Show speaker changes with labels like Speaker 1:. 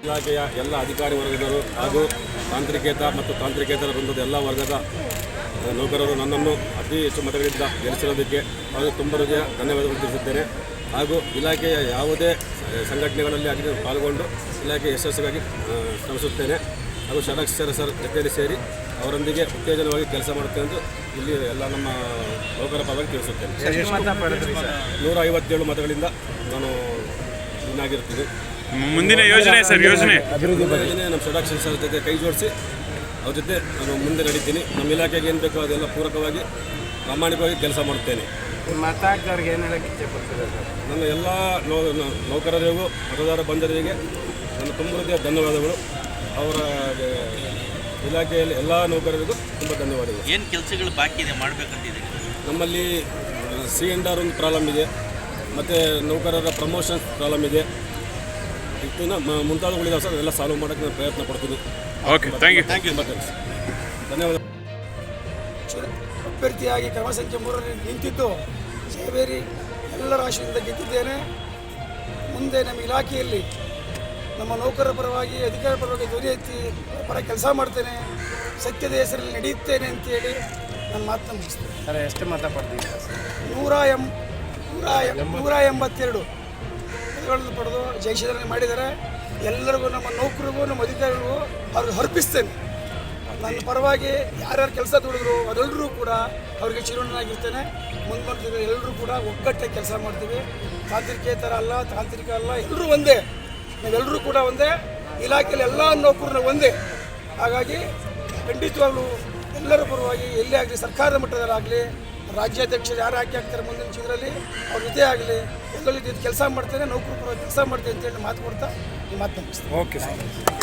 Speaker 1: ಇಲಾಖೆಯ ಎಲ್ಲ ಅಧಿಕಾರಿ ವರ್ಗದವರು ಹಾಗೂ ತಾಂತ್ರಿಕೇತರ ಮತ್ತು ತಾಂತ್ರಿಕೇತರ ವೃಂದದ ಎಲ್ಲ ವರ್ಗದ ನೌಕರರು ನನ್ನನ್ನು ಅತಿ ಹೆಚ್ಚು ಮತಗಳಿಂದ ಗೆಲ್ಲಿಸಿರೋದಕ್ಕೆ ಅವರು ತುಂಬ ಹೃದಯ ಧನ್ಯವಾದಗಳು ತಿಳಿಸುತ್ತೇನೆ. ಹಾಗೂ ಇಲಾಖೆಯ ಯಾವುದೇ ಸಂಘಟನೆಗಳಲ್ಲಿ ಆಗಿ ಪಾಲ್ಗೊಂಡು ಇಲಾಖೆ ಯಶಸ್ಸಿಗಾಗಿ ಶ್ರಮಿಸುತ್ತೇನೆ. ಹಾಗೂ ಷಡಕ್ಷರ ಸರ್ ಜೊತೆಯಲ್ಲಿ ಸೇರಿ ಅವರೊಂದಿಗೆ ಉತ್ತೇಜನವಾಗಿ ಕೆಲಸ ಮಾಡುತ್ತೇನೆ ಎಂದು ಇಲ್ಲಿ ಎಲ್ಲ ನಮ್ಮ ನೌಕರ ಪರವಾಗಿ ತಿಳಿಸುತ್ತೇನೆ. 157 ಮತಗಳಿಂದ ನಾನು ಇನ್ನಾಗಿರ್ತೀನಿ.
Speaker 2: ಮುಂದಿನ ಯೋಜನೆ ಸರ್ ಯೋಜನೆ
Speaker 1: ನಮ್ಮ ಷಡಕ್ಷರ ಸರ್ ಜೊತೆ ಕೈ ಜೋಡಿಸಿ ಅವ್ರ ಜೊತೆ ನಾನು ಮುಂದೆ ನಡೀತೀನಿ. ನಮ್ಮ ಇಲಾಖೆಗೆ ಏನು ಬೇಕೋ ಅದೆಲ್ಲ ಪೂರಕವಾಗಿ ಪ್ರಾಮಾಣಿಕವಾಗಿ ಕೆಲಸ ಮಾಡುತ್ತೇನೆ.
Speaker 3: ಮತದಾರರಿಗೆ ಏನು ಹೇಳಕ್ಕೆ ಇಚ್ಛೆಪಡ್ತೀರಾ ಸರ್?
Speaker 1: ನನ್ನ ಎಲ್ಲ ನೌಕರರಿಗೂ ಮತದಾರ ಬಂಧುಗಳಿಗೆ ನನ್ನ ತುಂಬ ಹೃದಯ ಧನ್ಯವಾದಗಳು. ಅವರ ಇಲಾಖೆಯಲ್ಲಿ ಎಲ್ಲ ನೌಕರರಿಗೂ ತುಂಬ ಧನ್ಯವಾದಗಳು.
Speaker 4: ಏನು ಕೆಲಸಗಳು ಬಾಕಿ ಇದೆ ಮಾಡಬೇಕಂತಿದೆ?
Speaker 1: ನಮ್ಮಲ್ಲಿ C&R ಒಂದು ಪ್ರಾಬ್ಲಮ್ ಇದೆ, ಮತ್ತು ನೌಕರರ ಪ್ರಮೋಷನ್ ಪ್ರಾಬ್ಲಮ್ ಇದೆ. ಇದನ್ನು ಮುಂತಾದವುಗಳಿದೆ ಸರ್, ಅದೆಲ್ಲ ಸಾಲ್ವ್ ಮಾಡೋಕ್ಕೆ ನಾನು ಪ್ರಯತ್ನ ಪಡ್ತೀನಿ.
Speaker 2: Okay, thank you.
Speaker 1: ಧನ್ಯವಾದ.
Speaker 5: ಅಭ್ಯರ್ಥಿಯಾಗಿ ಕ್ರಮ ಸಂಖ್ಯೆ 3ರಲ್ಲಿ ನಿಂತಿದ್ದು ಜಯಬೇರಿ ಎಲ್ಲರ ಆಶಯದಿಂದ ಗೆದ್ದಿದ್ದೇನೆ. ಮುಂದೆ ನಮ್ಮ ಇಲಾಖೆಯಲ್ಲಿ ನಮ್ಮ ನೌಕರರ ಪರವಾಗಿ ಅಧಿಕಾರ ಪರವಾಗಿ ಧ್ವನಿ ಎತ್ತಿ ಪರ ಕೆಲಸ ಮಾಡ್ತೇನೆ, ಸತ್ಯದ ಹೆಸರಲ್ಲಿ ನಡೆಯುತ್ತೇನೆ ಅಂತೇಳಿ ನನ್ನ ಮಾತನ್ನು ಮುಗಿಸ್ತೇನೆ.
Speaker 3: ಸರ್ ಎಷ್ಟು ಮತ ಪಡ್ತಿದ್ದೀರಾ ಸರ್?
Speaker 5: 182 ಮತಗಳನ್ನು ಪಡೆದು ಜಯಶೀಲನೆ ಮಾಡಿದ್ದಾರೆ. ಎಲ್ಲರಿಗೂ ನಮ್ಮ ನೌಕರಿಗೂ ನಮ್ಮ ಅಧಿಕಾರಿಗಳಿಗೂ ಅವ್ರಿಗೆ ಅರ್ಪಿಸ್ತೇನೆ. ನನ್ನ ಪರವಾಗಿ ಯಾರ್ಯಾರು ಕೆಲಸ ದುಡಿದ್ರು ಅದೆಲ್ಲರೂ ಕೂಡ ಅವರಿಗೆ ಚಿರುಣನಾಗಿರ್ತೇನೆ. ಮುಂದುವರೆದ ಎಲ್ಲರೂ ಕೂಡ ಒಗ್ಗಟ್ಟಾಗಿ ಕೆಲಸ ಮಾಡ್ತೀವಿ. ತಾಂತ್ರಿಕೇತರ ಅಲ್ಲ, ತಾಂತ್ರಿಕ ಅಲ್ಲ, ಎಲ್ಲರೂ ಒಂದೇ. ನಾವೆಲ್ಲರೂ ಕೂಡ ಒಂದೇ. ಇಲಾಖೆಯಲ್ಲಿ ಎಲ್ಲ ನೌಕರನ್ನ ಒಂದೇ. ಹಾಗಾಗಿ ಖಂಡಿತವಾಗ್ಲೂ ಎಲ್ಲರ ಪರವಾಗಿ ಎಲ್ಲೇ ಆಗಲಿ, ಸರ್ಕಾರದ ಮಟ್ಟದಲ್ಲಾಗಲಿ, ರಾಜ್ಯಾಧ್ಯಕ್ಷರು ಯಾರು ಆಗ್ತಾರೆ ಮುಂದಿನ ಚಿತ್ರದಲ್ಲಿ ಅವ್ರ ಜೊತೆ ಆಗಲಿ ಎಲ್ಲರಲ್ಲಿ ಕೆಲಸ ಮಾಡ್ತೇನೆ, ನೌಕರ ಪರವಾಗಿ ಕೆಲಸ ಮಾಡ್ತೇನೆ ಅಂತೇಳಿ ಮಾತು ಕೊಡ್ತಾ ಈ ಮಾತು ಮುಗಿಸ್ತೇನೆ.
Speaker 3: Okay sir.